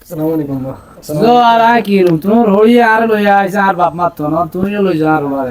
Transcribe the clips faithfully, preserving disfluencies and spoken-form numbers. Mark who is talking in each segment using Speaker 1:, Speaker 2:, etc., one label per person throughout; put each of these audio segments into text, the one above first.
Speaker 1: আসসালামু আলাইকুম মা।
Speaker 2: তো আর আয় কি রুম তোমার হইয়ে আর লইয়া আইছে আর বাপ মারতো না তুমিও লই যা আর বারে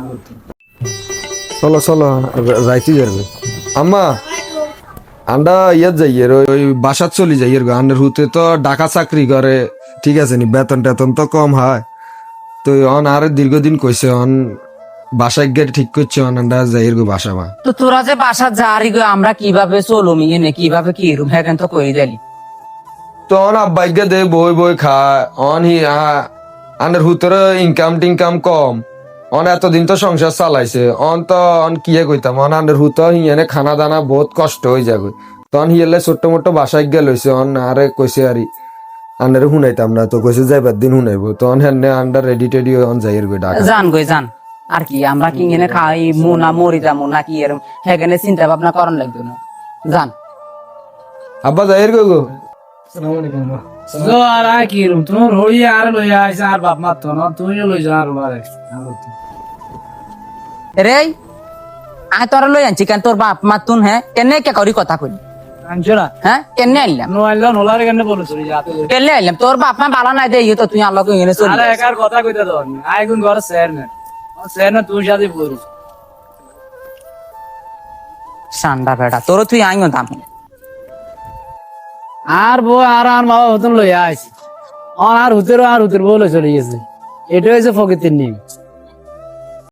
Speaker 1: চলো চলো যাইতে যাবে আম্মা আন্ডা ইয়াত যাইয়ের ওই ওই বাসাত চলি যাইয়ের গো আন্ডার হুতে তো ডাকা চাকরি করে ঠিক আছে নি বেতন টেতন তো কম হয় তো অন আর দীর্ঘদিন কইছে অন বাসায় গিয়ে ঠিক করছে অন আন্ডা যাইয়ের গো বাসা মা।
Speaker 3: তো তোরা যে বাসা যারি গো আমরা কিভাবে চলুমি এনে কিভাবে কি রুম হ্যাঁ তো কই দিলি
Speaker 1: তো অন আব্বাইকে দে বই বই খায় অন হি আন্ডার হুতরে ইনকাম টিনকাম কম অন এতদিন তো সংসার চালাইছে অন তো অন কিয়ে কইতাম অন আন্ডার হুত হিয়ানে খানা দানা বহুত কষ্ট হয়ে যাবে তখন হিয়ালে ছোট্ট মোট্ট বাসায় গেল হইছে অন আরে কইছে আরি আন্ডারে শুনাইতাম না তো কইছে যাইবার দিন শুনাইবো তখন হেনে আন্ডার রেডি টেডি অন যাইয়ের গো ডাকা।
Speaker 3: জান গই জান আর কি আমরা কি এনে খাই মুনা মরি যাবো নাকি এরম হ্যাঁ চিন্তা ভাবনা করন লাগবে না জান
Speaker 1: আব্বা যাইয়ের গো গো
Speaker 2: তো আর আয় কি রুম তোমার হইয়ে আর লইয়া আইছে আর বাপ মারতো না তুমিও লই যা আর বারে
Speaker 3: রে আয় তোরা লই আনছি কেন তোর বাপ মা তুন হ্যাঁ কেনে কে করি কথা কই
Speaker 2: আনছো না
Speaker 3: হ্যাঁ কেনে আইলাম
Speaker 2: নো আইলো নোলার কেন বলে চলি যাতে
Speaker 3: কেনে আইলাম তোর বাপ মা বালা নাই দেই তো তুই আল্লাহ কই এনে চলি
Speaker 2: আরে একার কথা কইতে দাও আয় কোন ঘর স্যার না স্যার না তুই সাথে বলিস
Speaker 3: সান্ডা বেটা তোর তুই আইও দাম
Speaker 2: আর বউ আর আর মা হতন লইয়া আইছে আর হুতেরও আর হুতের বউ লই চলে গেছে এটা হয়েছে ফকিতের নিয়ম।